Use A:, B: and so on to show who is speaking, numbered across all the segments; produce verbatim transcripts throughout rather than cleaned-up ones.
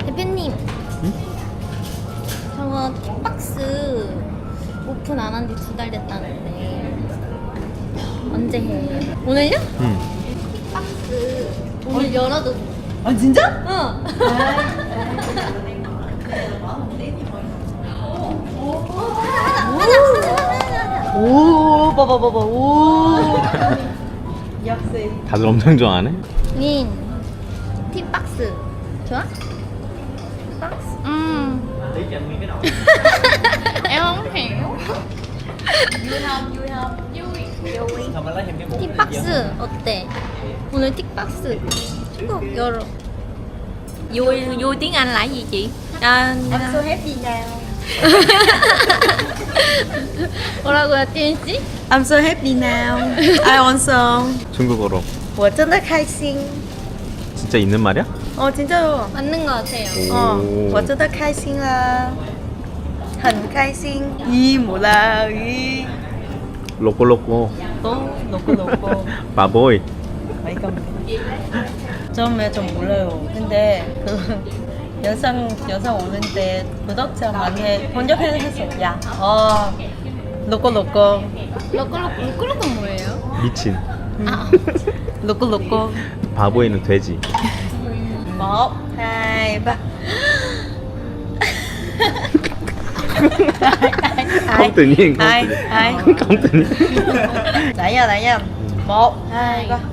A: 대표님.
B: 응?
A: 저거 틱박스 오픈 안 한 지 두 달 됐다는데 언제 해? 오늘요?
B: 응.
A: 틱박스 오늘 열어도.
C: 아 진짜?
A: 응.
C: 오 봐봐 봐봐 오 역시
B: 다들 엄청 좋아하네.
A: 린 틱박스 좋아? 틱박스? 음. Em không hiểu. 틱박스 어때? 오늘 틱박스 꼭 열어.
D: Vui vui tiếng Anh là cái gì chị? À,
C: I'm so happy now
A: 뭐라고요, 띠은 씨?
C: I'm so happy now I also
B: 중국어로.
C: 我真的开心
B: 진짜 있는 말이야?
C: 어 진짜요
A: 맞는 것 같아요.
C: 어
B: 오.
C: 我真的开心啦很开心이 뭐라 이
B: 로꼬로꼬.
C: 또 놓고 놓고
B: 바보이.
C: 많이 까먹네 처음에 좀 몰라요 근데 그 영상 영상 오는데 구독자 많이 번역해서 야 어 놓고 놓고
A: 로꼬로꼬, 로꼬로꼬 뭐예요?
B: 미친.
A: 아,
C: 놓고 놓고
B: 바보이는 돼지.
C: một hai ba
B: không tự nhiên, không
C: ai
B: tự nhiên.
C: ai
B: không tự nhiên.
C: lại nha lại nha một hai ba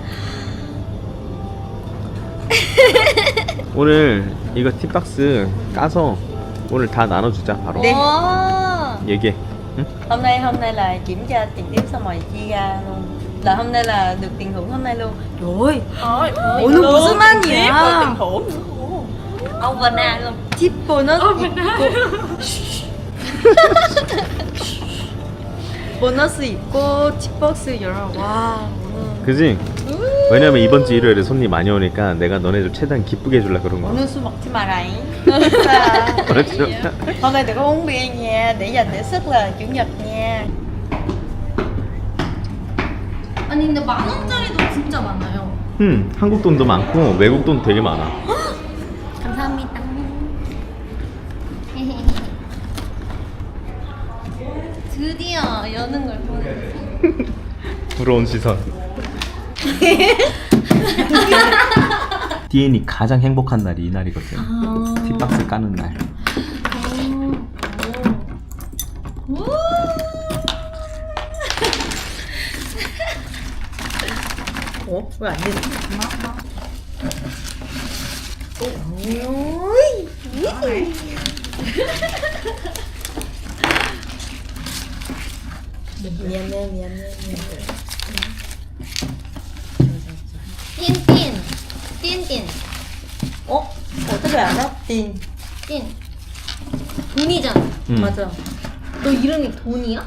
B: 오늘 이거 팁박스 까서 오늘 다 나눠주자 바로.
C: 네.
A: 오.
B: 얘기해. 응?
C: hôm nay hôm nay là kiểm tra tiền tiếp xong rồi chia ra luôn là hôm nay là được tiền thưởng hôm nay luôn trời ơi 오늘 무슨 말이야
D: overnight luôn.
C: 팁 보너스 있고 보너스 있고 팁박스 열어 와 오늘
B: 그지? 왜냐면 이번 주 일요일에 손님 많이 오니까 내가 너네들 최대한 기쁘게 해주려 그런 거야.
C: 오늘 술 먹지 마라잉
B: 그렇죠?
C: hôm nay đừng có uống bia nha để dành để sức là chủ nhật nha
A: 아니 근데 만 원짜리도 진짜 많아요.
B: 응, 한국 돈도 많고 외국 돈 되게 많아.
A: 감사합니다. 드디어 여는 걸 보네.
B: 부러운 시선. 디엔이 가장 행복한 날이 이 날이거든.
A: 아.
B: 팁박스 까는 날.
A: 오.
C: ủa 왜 안 되지 미안해 미안해 미안해
A: 띠엔띠엔 띠엔띠엔
C: 어? 어떻게 알아? 딘
A: 띠엔 돈이잖아.
B: 응.
C: 맞아
A: 너 이름이 돈이야?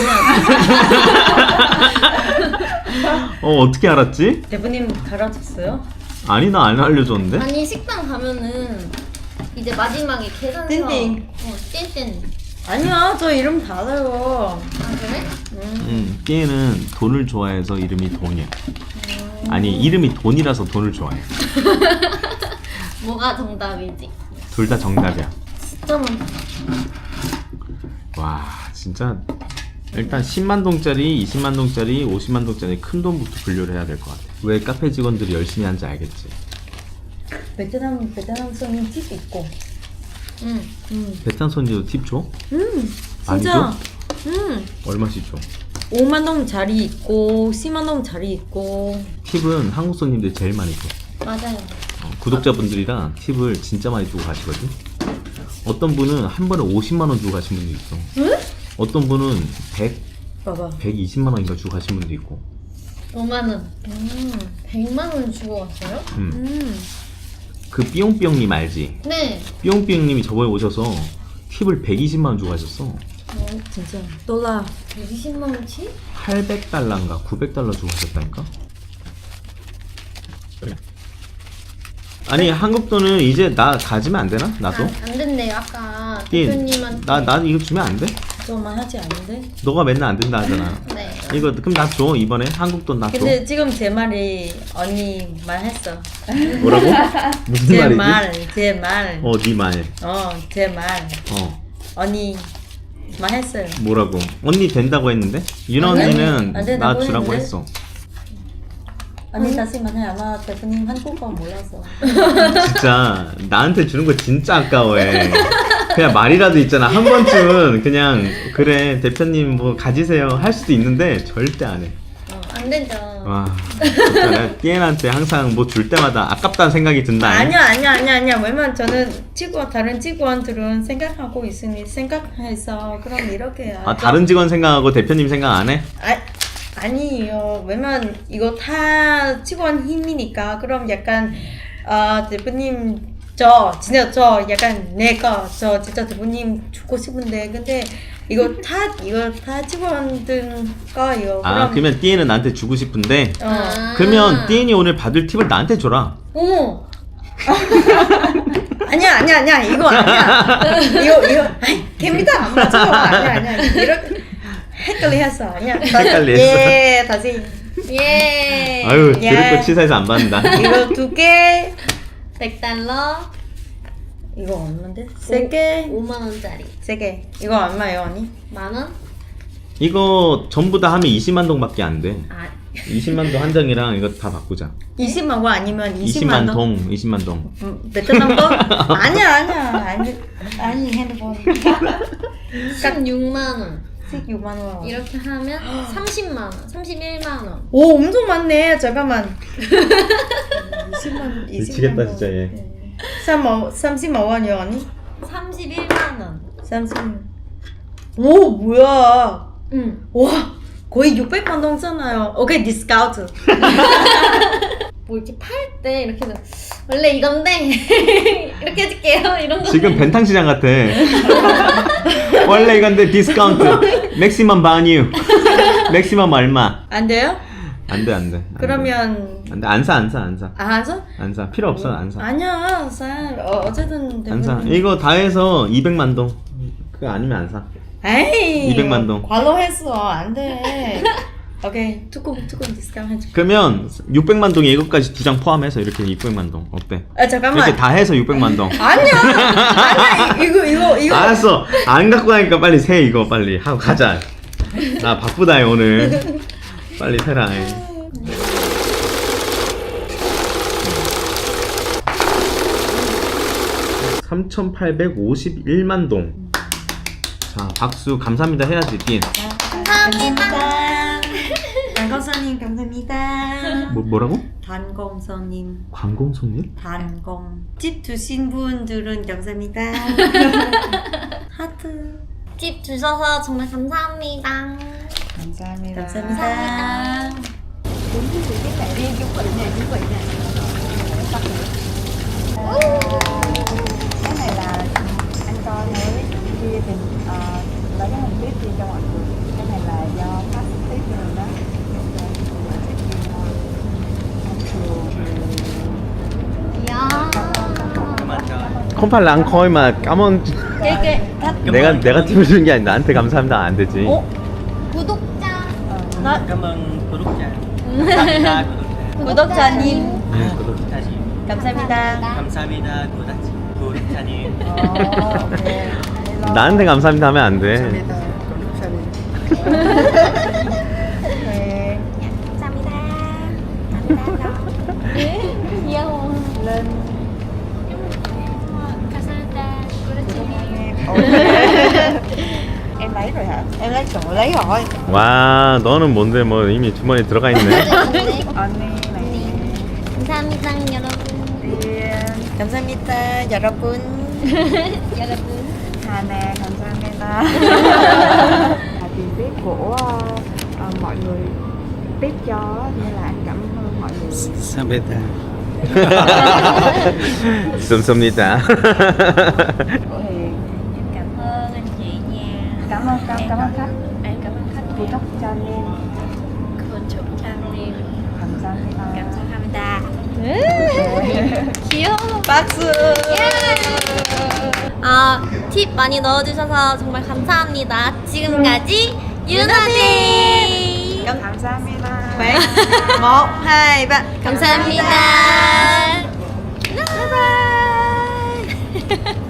B: 어, 어떻게 알았지?
C: 대표님 가르쳤어요?
B: 아니, 나 안 알려줬는데?
A: 아니 식당 가면은 이제 마지막에 계산서
C: 띵띵.
A: 어, 띵띵.
C: 아니야 저 이름 다 알아요
A: 아 그래?
B: 응, 띠에는 돈을 좋아해서 이름이 돈이야. 아니, 이름이 돈이라서 돈을 좋아해.
A: 뭐가 정답이지?
B: 둘 다 정답이야.
A: 진짜 많다.
B: 와, 진짜 일단 십만 동짜리, 이십만 동짜리, 오십만 동짜리 큰 돈부터 분류를 해야 될 것 같아. 왜 카페 직원들이 열심히 하는지 알겠지?
C: 베트남 베트남 손님 팁 있고
A: 응.
C: 음.
B: 베트남 손님도 팁 줘?
C: 음
B: 많이
C: 진짜
B: 줘?
C: 음
B: 얼마씩 줘?
C: 오만 원짜리 있고 십만 원짜리 있고
B: 팁은 한국 손님들이 제일 많이 줘.
A: 맞아요.
B: 어, 구독자분들이랑 팁을 진짜 많이 주고 가시거든. 어떤 분은 한 번에 오십만 원 주고 가신 분도 있어.
C: 응?
B: 어떤 분은 백,
C: 봐봐
B: 백이십만 원인가 주고 가신 분도 있고.
A: 오만 원.
C: 음.
A: 백만 원 주고 왔어요?
B: 음.
C: 음.
B: 그 삐용삐용님 알지?
A: 네.
B: 삐용삐용님이 저번에 오셔서 팁을 백이십만 원 주고 가셨어.
A: 어,
C: 진짜 달러
A: 백이십만 원치?
B: 팔백 달러인가 구백 달러 주고 가셨다니까? 아니 한국 돈은 이제 나 가지면 안 되나? 나도?
A: 아, 안 된대요. 아까
B: 띠,
A: 대표님한테.
B: 나, 나 이거 주면 안 돼?
C: 저만 하지 않는데?
B: 너가 맨날 안 된다 하잖아.
A: 네.
B: 이거 그럼 나 줘 이번에 한국 돈 나 줘.
C: 근데 지금 제 말이 언니 말했어.
B: 뭐라고? 무슨
C: 제
B: 말이지?
C: 말, 제 말.
B: 어, 네 말.
C: 어, 제 말.
B: 어,
C: 언니 말했어요.
B: 뭐라고? 언니 된다고 했는데? 윤아
C: 아니,
B: 언니는
C: 안 된다고
B: 나 주라고
C: 했는데?
B: 했어.
C: 언니 다시 말해. 아마 대표님 한국어 몰라서.
B: 진짜 나한테 주는 거 진짜 아까워해. 그냥 말이라도 있잖아. 한 번쯤은 그냥 그래 대표님 뭐 가지세요 할 수도 있는데 절대 안 해.
A: 어, 안 되죠.
B: 와, 진짜 내가 띠엔한테 항상 뭐 줄 때마다 아깝다는 생각이 든다.
C: 아니야, 아니야, 아니야, 아니야. 왜냐면 저는 직원, 다른 직원들은 생각하고 있으니 생각해서 그럼 이렇게 해야죠.
B: 아, 다른 직원 생각하고 대표님 생각 안 해?
C: 아, 아니에요. 왜냐면 이거 다 직원 힘이니까 그럼 약간 아 대표님 저 진짜 저 약간 내가 저 진짜 대표님 주고 싶은데 근데 이거 다 이거 다 직원들 거예요.
B: 아, 그러면 띠엔은 나한테 주고 싶은데
C: 어.
A: 아.
B: 그러면 띠엔이 오늘 받을 팁을 나한테 줘라.
C: 어머. 아니야 아니야 아니야 이거 아니야 이거 이거 아이 개미다 안 맞아 아니야 아니야 이렇게 헷갈려했어 아니야
B: 헷갈렸어.
C: 예 다시
A: 예.
B: 아유,
C: 예.
B: 들을 거 치사해서 안 받는다.
C: 이거 두개
A: 백 달러.
C: 이거 얼마인데 세개
A: 오만 원짜리.
C: 세개 이거 얼마예요 언니
A: 만 원?
B: 이거 전부 다 하면 이십만 동밖에 안 돼.
A: 아,
B: 이십만 동 한 장이랑 이거 다 바꾸자.
C: 이십만 원 아니면 이십만
B: 이십만
C: 원
B: 동, 이십만 동.
C: 음, 베트남 돈 아니야 아니야 아니 아니 핸드폰
A: 십육만 원.
C: 십육만 원
A: 이렇게 하면 삼십만 원, 삼십일만 원.
C: 오 엄청 많네 잠깐만 이십만
B: 미치겠다 진짜 얘.
C: 삼십만 원이요 언니?
A: 삼십일만 원.
C: 삼십 오 뭐야
A: 응.
C: 와 거의 육백만 동 쓰나요? 오케이 디스카운트
A: 뭐 이렇게 팔 때 이렇게 해서 원래 이건데 이렇게 해줄게요. 이런 거.
B: 지금 벤탕 시장 같아. 원래 이건데 디스카운트. 맥시멈 바뉴. 맥시멈 얼마?
C: 안 돼요?
B: 안 돼, 안 돼. 안 돼.
C: 그러면
B: 안 돼. 안 사, 안 사, 안 사.
C: 아 하죠?
B: 안 사. 필요 없어, 안 사.
C: 아니야 사 어, 어쨌든
B: 안 사.
C: 대부분-
B: 이거 다 해서 이백만 동. 그거 아니면 안 사.
C: 에이
B: 이백만 동.
C: 관로했어 안돼 오케이 조금 조금 디스카운트 해줘
B: 그러면 육백만 동에 이것까지 두 장 포함해서 이렇게 육백만 동. 어때?
C: 아 잠깐만
B: 이렇게 다 해서 육백만 동.
C: 아니야 아니야 이- 이거 이거 이거
B: 알았어. 안 갖고 가니까 빨리 세 이거 빨리 하고 가자. 나 바쁘다 오늘. 빨리 세라. 삼천팔백오십일만 동. 자, 박수 감사합니다 해야지, 딘.
C: 감사합니다 단검선님 감사합니다
B: 뭐 뭐라고?
C: 단검선님
B: 관공 손님?
C: 단검 집 주신 분들은 감사합니다 하트
A: 팁 주셔서 정말 감사합니다.
C: 감사합니다 감사합니다
E: cái này là anh cho mới kia thì uh, lấy cái hình tiếp chia cho mọi người. Cái này là do khách tiếp rồi đó.
B: 컴팔 랑커이 막 까먼.
C: cái cái thách
B: 내가 내가 팀을 주는 게 아니 나한테 감사합니다 안 되지.
C: 어?
A: 구독자.
C: nó
F: Cảm ơn 구독자. 감사합니다 구독자.
C: 구독자님
B: 네, 구독.
F: 구독자님.
C: 감사합니다
F: 감사합니다 구독자. 구독자님.
E: Ồ, ok.
B: 나한테 감사합니다 하면 안 돼.
E: Ok.
A: 감사합니다. 감사합니다. 귀여워.
E: Lên
A: 감사합니다.
E: em lấy rồi hả?
C: em lấy chỗ lấy rồi
B: 와 너는 뭔데 뭐 이미 주머니에 들어가 있네.
E: 언니 này
A: 감사합니다, 여러분.
C: 감사합니다 여러분
A: 여러분.
E: Hà nè 감사합니다. Là tiền tiếp của ờ, mọi người tiếp cho á, nên là anh cảm ơn mọi người.
F: 감사합니다.
B: 쏨쏨니다.
E: Của Hiền.
A: Cảm ơn anh chị nha.
E: Cảm ơn cảm, cảm ơn khách.
A: Em cảm ơn khách.
E: 구독자님
A: 구독자님.
E: 감사합니다.
A: 감사합니다.
E: 네.
A: 귀여워.
C: 박수
A: 아 팁 많이 넣어주셔서 정말 감사합니다. 지금까지 유나데이
E: 감사합니다.
C: 네. một hai ba
A: 감사합니다. 바이바이.